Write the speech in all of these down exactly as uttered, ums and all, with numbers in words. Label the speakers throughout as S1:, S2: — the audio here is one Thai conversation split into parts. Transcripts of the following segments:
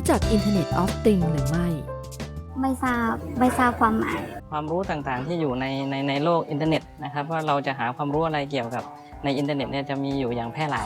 S1: จัก Internet of Things หรือไม่
S2: ไม่ทราบไม่ทราบความหมาย
S3: ความรู้ต่างๆที่อยู่ในในในโลกอินเทอร์เน็ตนะครับว่าเราจะหาความรู้อะไรเกี่ยวกับในอินเทอร์เน็ตเนี่ยจะมีอยู่อย่างแพร่หลาย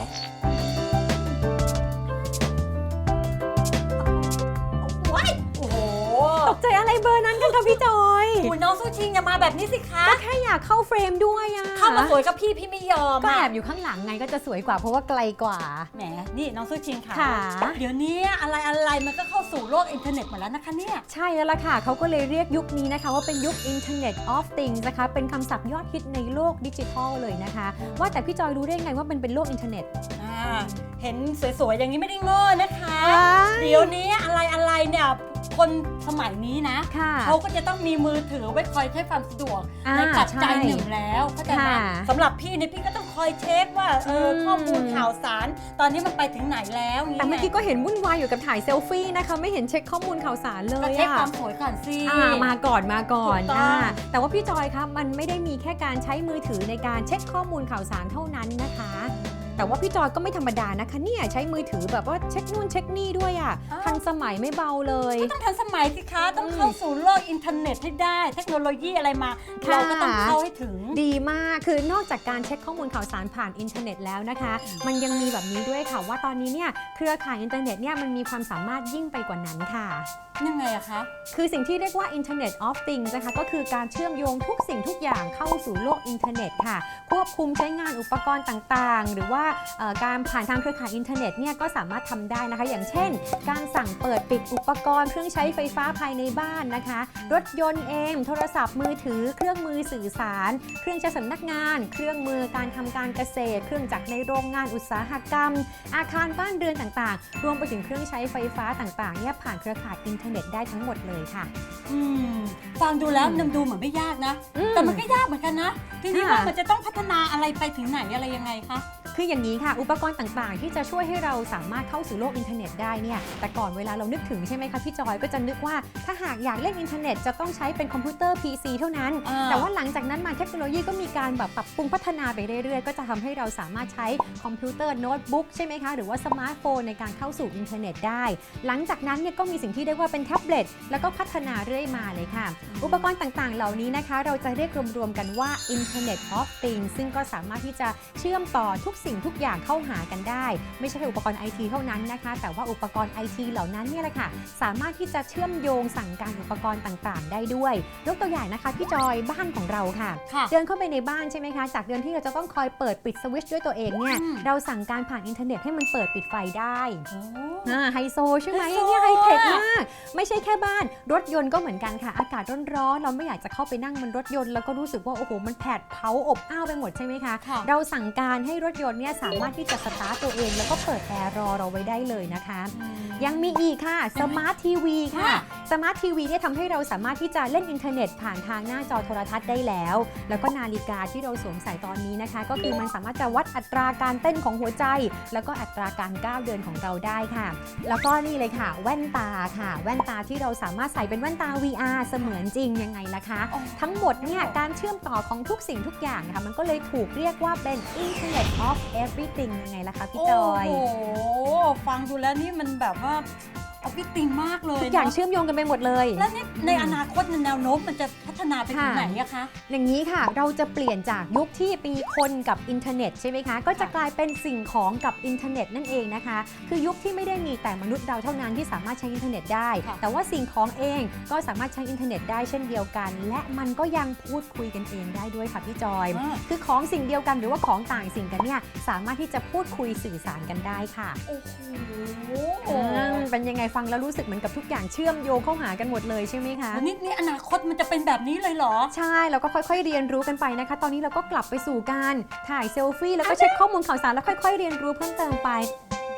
S4: โอ้โห
S5: ตกใจอะไรเบอร์นั้นกันคะพี่จอย
S4: คุณน้องสู้ชิงอย่ามาแบบนี้สิคะ
S5: ก็แค่อยากเข้าเฟรมด้วยอะ
S4: เข้ามาสวยกับพี่พี่ไม่ยอม
S5: ก็แอบอยู่ข้างหลังไงก็จะสวยกว่าเพราะว่าไกลกว่า
S4: แหมนี่น้องสู้ชิงค่ะ
S5: ค่ะ
S4: เดี๋ยวนี้อะไรอะไรมันก็เข้าสู่โลกอินเทอร์เน็ตหมดแล้วนะคะเนี่ย
S5: ใช่แล้วล่ะค่ะเขาก็เลยเรียกยุคนี้นะคะว่าเป็นยุค Internet of Things นะคะเป็นคำศัพท์ยอดฮิตในโลกดิจิทัลเลยนะคะว่าแต่พี่จอยรู้ได้ไงว่ามันเป็นโลกอินเทอร์เน็ต
S4: เห็นสวยๆอย่างนี้ไม่ได้โง่นะคะเดี๋ยวนี้อะไรอะไรเนี่ยคนสมัยนี้นะเขาก็จะต้องมีมือถือไว้คอยใช้ความสะดวกในปัจจัยหนึ่งแล้วเข้าใจไหมสำหรับพี่เนี่ยพี่ก็ต้องคอยเช็คว่าเออข้อมูลข่าวสารตอนนี้มันไปถึงไหนแล้ว
S5: แต่เมื่อกี้ก็เห็นวุ่นวายอยู่กับถ่ายเซลฟี่นะคะไม่เห็นเช็คข้อมูลข่าวสารเลย
S4: ก็เช็คความสวยก่อนสิ
S5: มาก่อนมาก่อนแต่ว่าพี่จอยคะมันไม่ได้มีแค่การใช้มือถือในการเช็คข้อมูลข่าวสารเท่านั้นนะคะแต่ว่าพี่จอยก็ไม่ธรรมดานะคะเนี่ยใช้มือถือแบบว่าเช็คนู่นเช็คนี่ด้วยอ่ะทันสมัยไม่เบาเลย
S4: ก็ต้องทันสมัยสิคะต้องเข้าสู่โลกอินเทอร์เน็ตให้ได้เทคโนโลยีอะไรมาเราก็ต้องเข้าให้ถึง
S5: ดีมากคือนอกจากการเช็คข้อมูลข่าวสารผ่านอินเทอร์เน็ตแล้วนะคะมันยังมีแบบนี้ด้วยค่ะว่าตอนนี้เนี่ยเครือข่ายอินเทอร์เน็ตเนี่ยมันมีความสามารถยิ่งไปกว่านั้นค่ะ
S4: ยังไงอะคะ
S5: คือสิ่งที่เรียกว่า Internet of Things นะคะก็คือการเชื่อมโยงทุกสิ่งทุกอย่างเข้าสู่โลกอินเทอร์เน็ตค่ะควบคุมใช้งานอุปกรณ์ต่างๆหรือว่าการผ่านทางเครือข่ายอินเทอร์เน็ตเนี่ยก็สามารถทำได้นะคะอย่างเช่นการสั่งเปิดปิดอุปกรณ์เครื่องใช้ไฟฟ้าภายในบ้านนะคะรถยนต์เองโทรศัพท์มือถือเครื่องมือสื่อสารเครื่องใช้สำนักงานเครื่องมือการทำการเกษตรเครื่องจักรในโรงงานอุตสาหกรรมอาคารบ้านเรือนต่างๆรวมไปถึงเครื่องใช้ไฟฟ้าต่างๆเนี่ยผ่านเครือข่ายอินเทอร์เน็ตได้ทั้งหมดเลยค่ะ
S4: อืมฟังดูแล้วนำดูเหมือนไม่ยากนะแต่มันก็ยากเหมือนกันนะทีนี้ว่ามันจะต้องพัฒนาอะไรไปถึงไหนอะไรยังไงคะ
S5: คืออย่างนี้ค่ะอุปกรณ์ต่างๆที่จะช่วยให้เราสามารถเข้าสู่โลกอินเทอร์เน็ตได้เนี่ยแต่ก่อนเวลาเรานึกถึงใช่ไหมคะพี่จอยก็จะนึกว่าถ้าหากอยากเล่นอินเทอร์เน็ตจะต้องใช้เป็นคอมพิวเตอร์ พี ซี เท่านั้นแต่ว่าหลังจากนั้นมาเทคโนโลยีก็มีการแบบปรับปรุงพัฒนาไปเรื่อยๆก็จะทำให้เราสามารถใช้คอมพิวเตอร์โน้ตบุ๊กใช่ไหมคะหรือว่าสมาร์ทโฟนในการเข้าสู่อินเทอร์เน็ตได้หลังจากนั้นเนี่ยก็มีสิ่งที่เรียกว่าเป็นแท็บเล็ตแล้วก็พัฒนาเรื่อยมาเลยค่ะอุปกรณ์ต่างๆเหล่านี้นะคะเราจะเรียกรวมๆกันว่า Internet of Things ซึ่งก็สามารถที่จะเชื่อมต่อทุกสิ่งทุกอย่างเข้าหากันได้ไม่ใช่แค่อุปกรณ์ ไอ ที เท่านั้นนะคะแต่ว่าอุปกรณ์ ไอ ที เหล่านั้นเนี่ยแหละค่ะสามารถที่จะเชื่อมโยงสั่งการอุปกรณ์ต่างๆได้ด้วยยกตัวอย่างนะคะพี่จอยบ้านของเราค่ะเดินเข้าไปในบ้านใช่ไหมคะจากเดิมที่เราจะต้องคอยเปิดปิดสวิตช์ด้วยตัวเองเนี่ยเราสั่งการผ่านอินเทอร์เน็ตให้มันเปิดปิดไฟได้ไฮโซใช่ไหมเนี่ยไฮเทคมากไม่ใช่แค่บ้านรถยนต์ก็เหมือนกันค่ะอากาศร้อนๆเราไม่อยากจะเข้าไปนั่งบนรถยนต์แล้วก็รู้สึกว่าโอ้โหมันแผดเผาอบอ้าวไปหมดใช่ไหมคะเราสั่งการให้รถยนต์เนี่ยสามารถที่จะสตาร์ทตัวเองแล้วก็เปิดแอร์รอเราไว้ได้เลยนะคะยังมีอีกค่ะสมาร์ททีวีค่ะสมาร์ททีวีเนี่ยทำให้เราสามารถที่จะเล่นอินเทอร์เน็ตผ่านทางหน้าจอโทรทัศน์ได้แล้วแล้วก็นาฬิกาที่เราสวมใส่ตอนนี้นะคะก็คือมันสามารถจะวัดอัตราการเต้นของหัวใจแล้วก็อัตราการก้าวเดินของเราได้ค่ะแล้วก็นี่เลยค่ะแว่นตาค่ะแว่นตาที่เราสามารถใส่เป็นแว่นตา วี อาร์ เสมือนจริงยังไงล่ะคะทั้งหมดเนี่ยการเชื่อมต่อของทุกสิ่งทุกอย่างนะคะมันก็เลยถูกเรียกว่าเป็น Internet of Everything ยังไงล่ะคะพี่จอย
S4: โอ้โหฟังดูแล้วนี่มันแบบว่าออฟฟิศติงมากเลย
S5: ทุกอย่างเชื่อมโยงกันไปหมดเลย
S4: แล้วนี่ในอนาคตแนวโน้มมันจะพัฒนาไปถึงไหนอะคะ
S5: อย่างนี้ค่ะเราจะเปลี่ยนจากยุคที่มีคนกับอินเทอร์เน็ตใช่ไหมคะก็จะกลายเป็นสิ่งของกับอินเทอร์เน็ตนั่นเองนะคะคือยุคที่ไม่ได้มีแต่มนุษย์เราเท่านั้นที่สามารถใช้อินเทอร์เน็ตได้แต่ว่าสิ่งของเองก็สามารถใช้อินเทอร์เน็ตได้เช่นเดียวกันและมันก็ยังพูดคุยกันเองได้ด้วยค่ะพี่จอยคือของสิ่งเดียวกันหรือว่าของต่างสิ่งกันเนี่ยสามารถที่จะพูดคุยสื่อสารกันได้ค่ะ
S4: โอ้โห
S5: เป็นยังไงฟังแล้วรู้สึกเหมือนกับทุกอย่างเชื่อมโยงเข้าหากันหมดเลยใช่ไหมคะ
S4: นี่นี่อนาคตมันจะเป็นแบบนี้เลยเหรอ
S5: ใช่เราก็ค่อยๆเรียนรู้กันไปนะคะตอนนี้เราก็กลับไปสู่การถ่ายเซลฟี่แล้วก็เช็คข้อมูลข่าวสารแล้วค่อยๆเรียนรู้เพิ่มเติมไป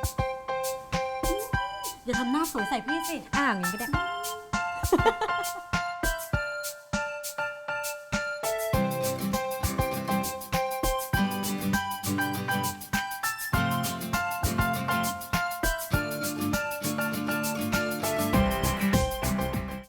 S4: อย่าทำหน้าสวยใส่พี่สิ
S5: อ่าอย่างนี้ก็ได้